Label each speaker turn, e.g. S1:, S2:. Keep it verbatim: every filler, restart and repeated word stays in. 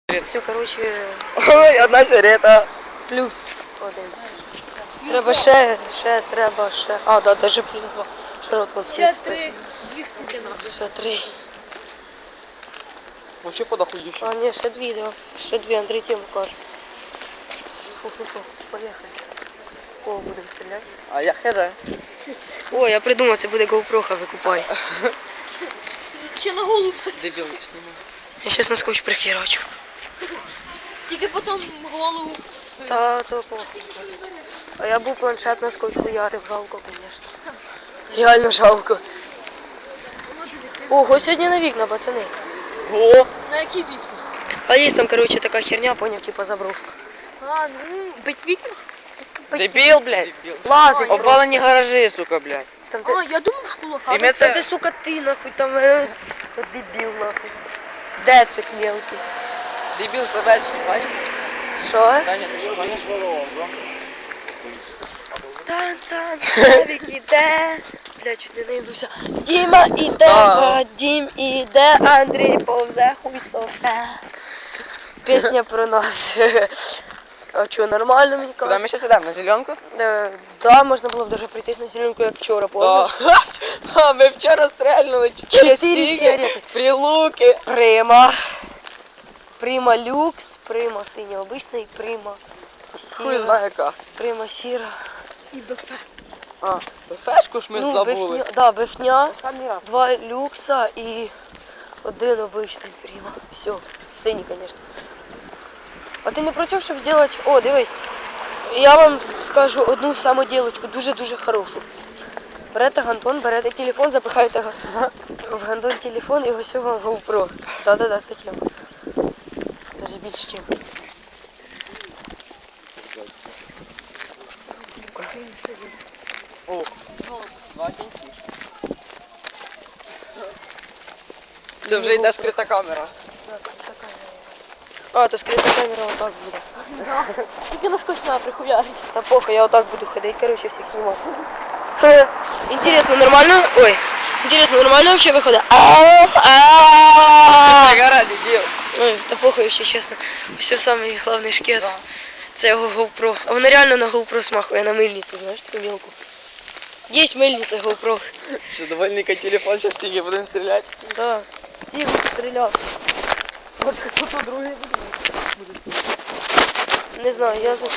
S1: Все, короче,
S2: Ой, одна сигарета.
S1: плюс один. Треба ще, ще, треба ще. А, да, даже плюс два. Широтко
S3: Ще три, дві штуки надо.
S1: Ще три.
S2: Вообще подохующе.
S1: А, ні, ще дві, да. Ще дві, Андрій тему каже. Фух, ну що, поїхали. Кого будемо стріляти?
S2: А я хз.
S1: О, я придумав, це буде GoPro, викупай.
S3: Ще на голову.
S2: Дебіл не знімав.
S1: Я щас на скотч прихерачу.
S3: Тільки потім голову.
S1: Та, то похуй. А я був планшет на скотч хуярив, жалко, звісно. Реально жалко. Ого, сьогодні на вікна, пацани.
S2: О!
S3: На який вікна?
S1: А є там, короче, така херня, поняв, типа заброшка.
S3: А, ну, бить вікна?
S2: Дебіл, блядь.
S1: Лазить.
S2: Обвалені гаражі, сука, блядь.
S1: Там ти,
S3: А, я думав, в кулаках.
S2: І ми
S1: там
S2: це...
S1: ти, сука, ти, нахуй, там, е, от дебіл, нахуй. Де це мелкий?
S2: Дебіл тебе бачиш?
S1: Що?
S2: Таня, ти бачиш?
S1: Тан-тан, Славік іде. Бля, чуть не наїбнувся. Діма іде,
S2: Да.
S1: Вадім іде, Андрій повзе, хуй сосе. Пісня про нас. А що, нормально мені
S2: Куди
S1: кажуть?
S2: ми зараз йдемо? На зеленку?
S1: Е, да, можна було б даже пройтись на зеленку, як вчора, помниш?
S2: А, ми вчора стрельнули
S1: Чотири
S2: чотири сіги,
S1: сигарети.
S2: прилуки.
S1: Прима. Прима люкс, прима синя обична і прима
S2: Хуй
S1: сіра.
S2: знає яка.
S1: Прима сіра.
S3: І БФ.
S2: А, фешку ж ми
S1: Ну,
S2: забули.
S1: бифня, да, бифня,
S2: Останній раз.
S1: два люкса і один обичний прима. Все, синій, звісно. А ти не проти, щоб зробити... О, дивись. Я вам скажу одну самоділочку, дуже-дуже хорошу. Берете гандон, берете телефон, запихаєте га- в гандон телефон і ось вам GoPro. Да-да-да, це тема. Даже більше чим.
S2: О, два кінці. Це вже йде скрита камера.
S1: Да, скрита камера. А, то скрита камера отак буде.
S3: Тільки на скотч треба прихуярить.
S1: Та похуй, я отак буду ходить, короче, всіх знімати. Ха, Интересно, нормально? Ой, интересно, нормально вообще выходит?
S2: Гора, дебіл.
S1: Ой, та похуй вообще, чесно. Все самий головний шкет.
S2: Да.
S1: Це його GoPro. А воно реально на GoPro смахує, на мильницю, знаєш, таку мілку. Є мильниця GoPro.
S2: Що, довольника телефон, зараз сіги будемо стріляти.
S1: Да. Всі будуть стріляти.
S2: Може, хто другий буде?
S1: Не знаю, я за...